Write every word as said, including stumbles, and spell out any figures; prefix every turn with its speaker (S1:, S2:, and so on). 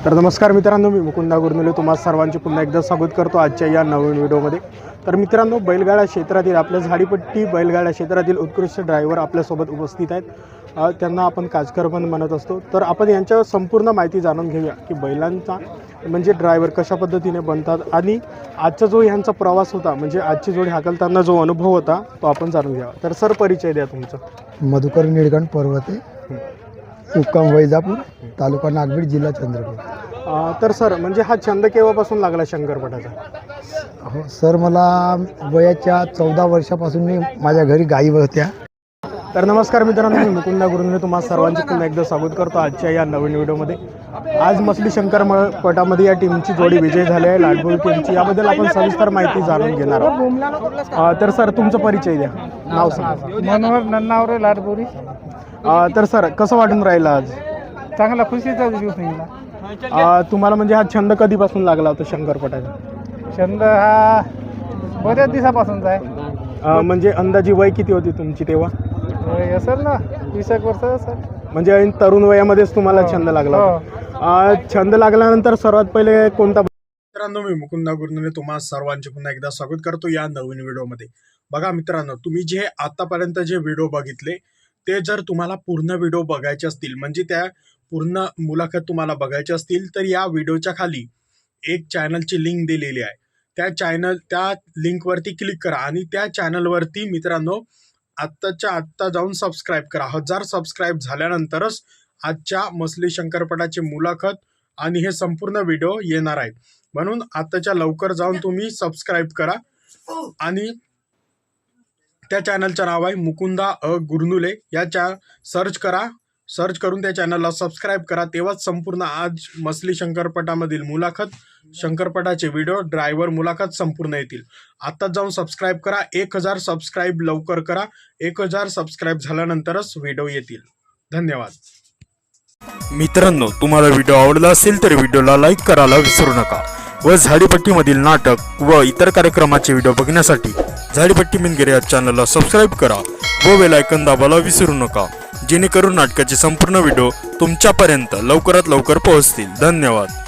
S1: तर नमस्कार मित्रांनो, मी मुकुंदा गुरनुले तुम्हा सर्वांचे पुन्हा एकदा स्वागत करतो आजच्या या नवीन व्हिडिओमध्ये। तर मित्रांनो, बैलगाडा क्षेत्रातील आपल्या झाडीपट्टी बैलगाडा क्षेत्रातील उत्कृष्ट ड्रायव्हर आपल्यासोबत उपस्थित आहेत। त्यांना आपण काजकर पण म्हणत असतो। तर आपण यांच्यावर संपूर्ण माहिती जाणून घेऊया की बैलांचा म्हणजे ड्रायव्हर कशा पद्धतीने बनतात आणि आजचा जो यांचा प्रवास होता, म्हणजे आजची जोडी हाकलताना जो अनुभव होता तो आपण जाणून घ्यावा। तर सर, परिचय द्या तुमचा।
S2: मधुकर निळगण पर्वते, मुक्काम वैजापूर, तालुका नागभीड, जिल्हा चंद्रपूर।
S1: तर सर, म्हणजे हा छंद केव्हापासून लागला शंकरपटाचा?
S2: हो सर, मला वयाच्या चौदा वर्षापासून मी माझ्या घरी गायी होत्या।
S1: तर नमस्कार मित्रांनो, मी मुकुंदा गुरुने तुम्हा सर्वांचे पुन्हा एकदा स्वागत करतो आजच्या या नवीन व्हिडिओमध्ये। आज मसली शंकर पटामध्ये या टीमची जोडी विजय झाली आहे, लाडबोरी टीमची। याबद्दल आपण सविस्तर माहिती जाणून घेणार आहोत। तर सर, तुमचा परिचय द्या, नाव सांगा।
S3: मनोहर नन्नावरे, लाडबोरी।
S1: तर सर, कसं वाटून राहिलं आज?
S3: चांगला खुशीचा दिवस निघाला।
S1: तुम्हाला म्हणजे हा छंद कधीपासून लागला होता शंकरपटाचा?
S3: छंद हा बऱ्याच दिवसापासूनचा आहे।
S1: म्हणजे अंदाजी वय किती होती तुमची तेव्हा?
S3: वय असेल ना वीस एक वर्ष असेल।
S1: म्हणजे तरुण वयामध्येच तुम्हाला छंद लागला होता। छंद लागल्यानंतर सर्वात पहिले कोणता? मित्रांनो, मी मुकुंदा गुरुने तुम्हा सर्वांचे पुन्हा एकदा स्वागत करतो या नवीन व्हिडिओमध्ये। बघा मित्रांनो, तुम्ही जे आतापर्यंत जे व्हिडिओ बघितले ते जर तुम्हाला पूर्ण व्हिडिओ बघायचे असतील, म्हणजे त्या पूर्ण मुलाखत तुम्हाला बघायची असतील, तर या व्हिडिओच्या खाली एक चॅनलची लिंक दिलेली आहे। त्या चॅनल त्या लिंकवरती क्लिक करा आणि त्या चॅनलवरती मित्रांनो आत्ताच्या आत्ता जाऊन सबस्क्राईब करा। हजार सबस्क्राईब झाल्यानंतरच आजच्या मसली शंकरपटाची मुलाखत आणि हे संपूर्ण व्हिडिओ येणार आहेत। म्हणून आत्ताच्या लवकर जाऊन तुम्ही सबस्क्राईब करा आणि त्या चॅनलचं नाव आहे मुकुंदा अ गुरनुले। या चा सर्च करा, सर्च करून त्या चॅनलला सबस्क्राईब करा, तेव्हाच संपूर्ण आज मसली शंकरपटामधील मुलाखत, शंकरपटाचे व्हिडिओ, ड्रायव्हर मुलाखत संपूर्ण येतील। आत्ताच जाऊन सबस्क्राईब करा, एक हजार सबस्क्राईब लवकर करा। एक हजार सबस्क्राईब झाल्यानंतरच व्हिडिओ येतील। धन्यवाद
S4: मित्रांनो, तुम्हाला व्हिडिओ आवडला असेल तर व्हिडिओला लाईक करायला विसरू नका व झाडीपट्टीमधील नाटक व इतर कार्यक्रमाचे व्हिडिओ बघण्यासाठी झाडीपट्टी मिनगिरे या चॅनलला सबस्क्राईब करा व बेल आयकॉन दाबायला विसरू नका, जेणेकरून नाटकाचे संपूर्ण व्हिडिओ तुमच्यापर्यंत लवकरात लवकर पोहोचतील। धन्यवाद।